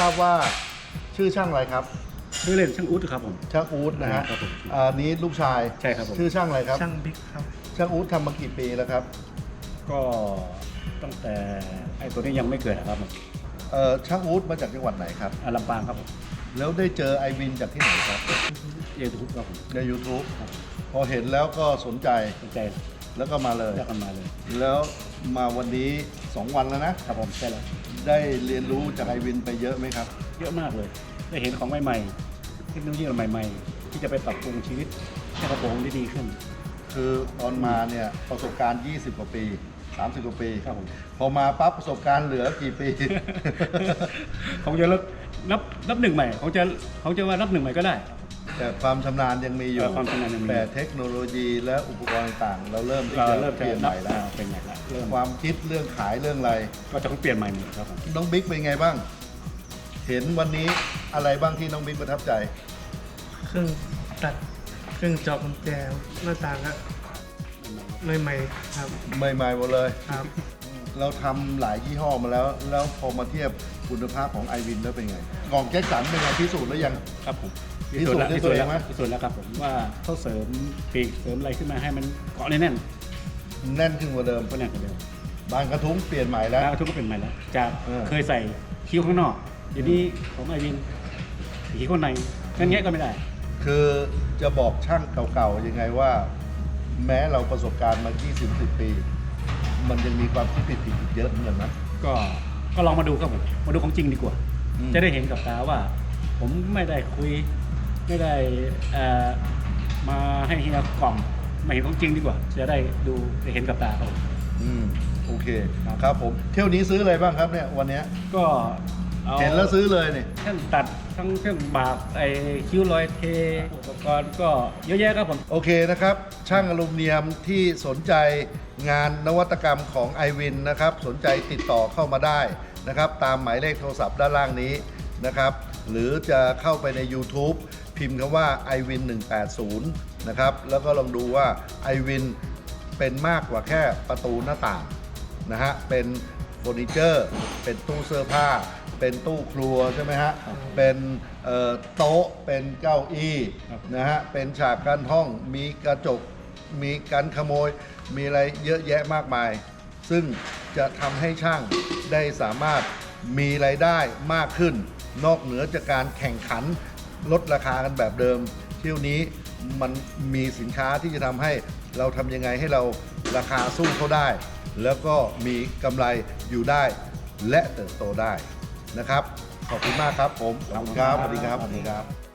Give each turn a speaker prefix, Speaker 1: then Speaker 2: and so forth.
Speaker 1: ราบว่าชื่อช่างอะไรครับ
Speaker 2: ชื่อเล่นช่างอุ๊ดครับผม
Speaker 1: ช่างอู๊ดนะฮะ
Speaker 2: ครับผม
Speaker 1: นี้ลูกชาย
Speaker 2: ใช่ครับผม
Speaker 1: ชื่อช่างอะไรครับ
Speaker 3: ช่างบิ๊กครับ
Speaker 1: ช่างอู๊ดทำมากี่ปีแล้วครับ
Speaker 2: ก็ตั้งแต่ไอ้ตัวนี้ยังไม่เกิดครับผม
Speaker 1: ช่างอู๊ดมาจากจังหวัดไหนครับ
Speaker 2: ลำปางครับผม
Speaker 1: แล้วได้เจอไอวินจากที่ไหนครับ
Speaker 2: เยทุกครับผม
Speaker 1: ใน YouTube พอเห็นแล้วก็สนใจ
Speaker 2: สนใจ
Speaker 1: แล้วก็มาเลย
Speaker 2: เลือกกันมาเลย
Speaker 1: แล้วมาวันนี้ 2 วันแล้วนะครับ
Speaker 2: ผมใช่แล้ว
Speaker 1: ได้เรียนรู้จากไอวินไปเยอะไหมครับ
Speaker 2: เยอะมากเลย ได้เห็นของใหม่ๆเทคโนโลยีใหม่ๆ ที่จะไปปรับปรุงชีวิตให้กระโปรงได้ดีขึ้น
Speaker 1: คือตอนมาเนี่ยประสบการณ์ 20 กว่าปี 30 กว่าปี
Speaker 2: ครับผม
Speaker 1: พอมาปั๊บประสบการณ์เหลือกี่ปี
Speaker 2: ของจะนับหนึ่งใหม่ของจะว่านับหนึ่งใหม่ก็ได้
Speaker 1: แต่ความชำนาญยังมีอยู่
Speaker 2: ความชำนาญยังมี
Speaker 1: แต่เทคโนโลยีและอุปกรณ์ต่างๆเราเริ่มที่
Speaker 2: เรา
Speaker 1: จะ
Speaker 2: เริ่ม
Speaker 1: เปลี่ยนใหม่แล้ว
Speaker 2: เป็นใหม่แล้วเริ่ม
Speaker 1: ความคิดเรื่องขายเรื่องอะไร
Speaker 2: ก็จะต้องเปลี่ยนใหม่หมดครับผม
Speaker 1: น้องบิ๊กเป็นไงบ้าง เห็นวันนี้อะไรบ้างที่น้องบิ๊กประทับใจ
Speaker 3: เครื่องตัดเครื่องเจาะกุญแจหน้าต่างครับใหม่ๆครับ
Speaker 1: ใหม่ๆหมดเลย
Speaker 3: ครับ
Speaker 1: เราทำหลายยี่ห้อมาแล้ว แล้วพอมาเทียบคุณภาพของไอวินแล้วเป็นไง กล่องแจ็คสันเป็นไงพิสูจน์แล้วยัง
Speaker 2: ครับผม
Speaker 1: พิสูจน์ด้วยตัวเองไหม
Speaker 2: พิสูจน์แล้วครับผมว่าเขาเสริมปีกเสริมอะไรขึ้นมาให้มันเกาะแน่น
Speaker 1: แน่นขึ้นกว่าเดิม
Speaker 2: ก็แน่นกว่าเดิม
Speaker 1: บานกระทุ้งเปลี่ยนใหม่แล้ว
Speaker 2: แล้วทุกก็เป็นใหม่แล้วจาก
Speaker 1: เออ
Speaker 2: เคยใส่คิ้วข้างนอกเดี๋ยวนี้ของไอวินคิ้วข้างในงั้นแงะก็ไม่ได้
Speaker 1: คือจะบอกช่างเก่าๆยังไงว่า แม้เราประสบการณ์มา 20-10 ปี มันยังมีความคิดผิดๆอีกเยอะเหมือนกันนะ
Speaker 2: ก็ลองมาดูครับผมมาดูของจริงดีกว่า
Speaker 1: อืม
Speaker 2: จะได้เห็นกับตาว่า ผมไม่ได้คุยไม่ได้มาให้เฮียกล่อมมาเห็นของจริงดีกว่า จะได้ดูได้เห็นกับตาครับผม
Speaker 1: โอเค
Speaker 2: ครับ
Speaker 1: ครับผมเที่ยวนี้ซื้ออะไรบ้างครับเนี่ยวันเนี้ย
Speaker 2: ก็อา
Speaker 1: เห็นแล้วซื้อเลยเนี่ย
Speaker 2: เครื่องตัดทั้งเครื่องบากไอ้คิ้วรอยเทอุปกรณ์ก็เยอะแยะครับผม
Speaker 1: โอเคนะครับ ช่างอลูมิเนียมที่สนใจงานนวัตกรรมของ iWin นะครับ สนใจติดต่อเข้ามาได้นะครับ ตามหมายเลขโทรศัพท์ด้านล่างนี้นะครับ หรือจะเข้าไปใน YouTube พิมพ์คำว่า iWin 180นะครับ แล้วก็ลองดูว่า iWin เป็นมากกว่าแค่ประตูหน้าต่างนะฮะ เป็นเฟอร์นิเจอร์ เป็นตู้เสื้อผ้า เป็นตู้ครัวใช่ไหมฮะ เป็นโต๊ะ เป็นเก้าอี้
Speaker 2: ครับ
Speaker 1: นะฮะ เป็นฉากกั้นห้อง มีกระจก มีการขโมย มีอะไรเยอะแยะมากมาย ซึ่งจะทำให้ช่างได้สามารถมีรายได้มากขึ้น นอกเหนือจากการแข่งขันลดราคากันแบบเดิม เที่ยวนี้มันมีสินค้าที่จะทำให้เราทำยังไงให้เราราคาสู้เขาได้ แล้วก็มีกำไรอยู่ได้ และเติบโตได้นะครับ ขอบคุณมากครับผม ขอบคุณครับ สวัสดีครับ สวัสดีครับ